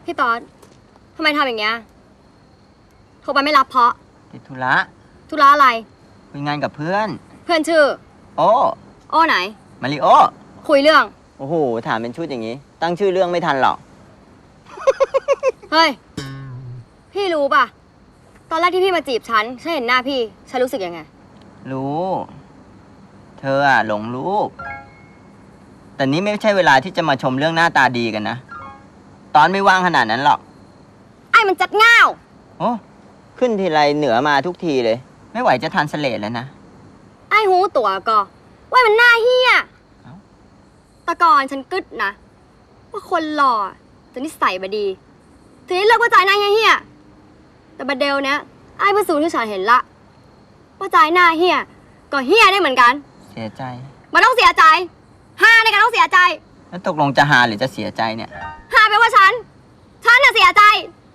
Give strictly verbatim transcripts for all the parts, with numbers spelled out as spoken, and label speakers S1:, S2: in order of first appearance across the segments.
S1: พี่ต๊อดทำไมทำอย่างเงี้ยโทรไปไม่รับเพราะ
S2: ติดธุระ
S1: ธุระอะไร
S2: คุยงานกับเพื่อน
S1: เพื่อนชื่อ
S2: โอ้
S1: โอ้ไหน
S2: มาริโอ
S1: คุยเรื่อง
S2: โอ้โหถามเป็นชุดอย่างนี้ตั้งชื่อเรื่องไม่ทันหรอก
S1: เฮ้ยพี่รู้ป่ะตอนแรกที่พี่มาจีบฉันฉันเห็นหน้าพี่ฉันรู้สึกยังไง
S2: รู้เธออะหลงรูปแต่นี้ไม่ใช่เวลาที่จะมาชมเรื่องหน้าตาดีกันนะตอนไม่ว่างขนาดนั้นหรอก
S1: ไอ้มันจัดง่าว
S2: โอ้ขึ้นทีไรเหนือมาทุกทีเลยไม่ไหวจะทันสเลดแล้วนะ
S1: ไอ้หูตัวก็ว่ามันหน้าเฮียตะกอนฉันกึดนะว่าคนหล่อจะนิสัยบดีทีนี้เลิกว่าจ่ายหน้าเฮียแต่บัดเดลเนี้ยไอ้เพื่อสูนที่ฉันเห็นละว่าจ่ายหน้าเฮียก็เฮียได้เหมือนกัน
S2: เสียใจ
S1: มันต้องเสียใจฮาในการต้องเสียใจ
S2: แล้วตกลงจะหาหรือจะเสียใจเนี่ย
S1: ฮาแปลว่าฉันฉันน่ะเสียใจ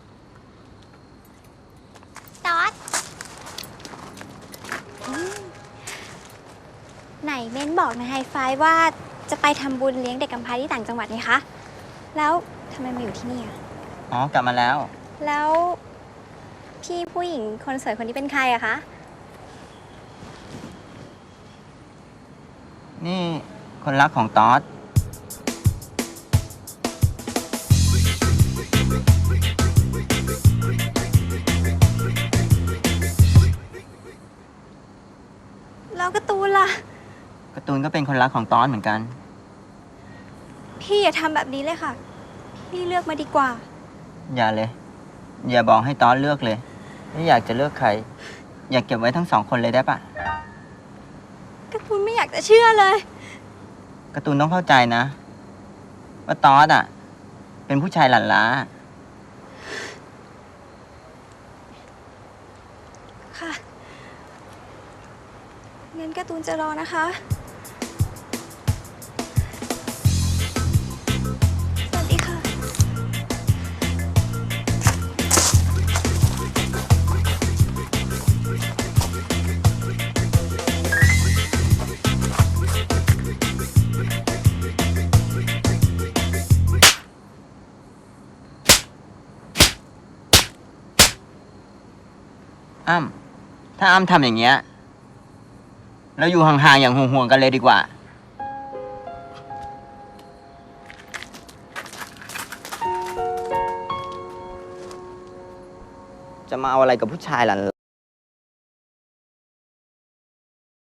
S3: ตอดไหนเม้นบอกในไฮไฟว่าจะไปทำบุญเลี้ยงเด็กกำพร้าที่ต่างจังหวัดนี่คะแล้วทำไมมาอยู่ที่นี่อ่ะ
S2: อ๋อกลับมาแล้ว
S3: แล้วพี่ผู้หญิงคนสวยคนนี้เป็นใครอะคะ
S2: นี่คนรักของตอด
S3: แล้วการ์ตูนล่ะ
S2: การ์ตูนก็เป็นคนรักของตอดเหมือนกัน
S3: พี่อย่าทำแบบนี้เลยค่ะพี่เลือกมาดีกว่า
S2: อย่าเลยอย่าบอกให้ตอดเลือกเลยไม่อยากจะเลือกใครอยากเก็บไว้ทั้งสองคนเลยได้ปะ
S3: การ์ตูนไม่อยากจะเชื่อเลย
S2: การ์ตูนต้องเข้าใจนะว่าตอดอ่ะเป็นผู้ชายหลั่นล้า
S3: ค่ะงั้นการ์ตูนจะรอนะคะสวัสดีค่ะ
S2: อ้ำถ้าอ้ำทำอย่างเงี้ยเราอยู่ห่างๆอย่างห่วงๆกันเลยดีกว่าจะมาเอาอะไรกับผู้ชายหลั่น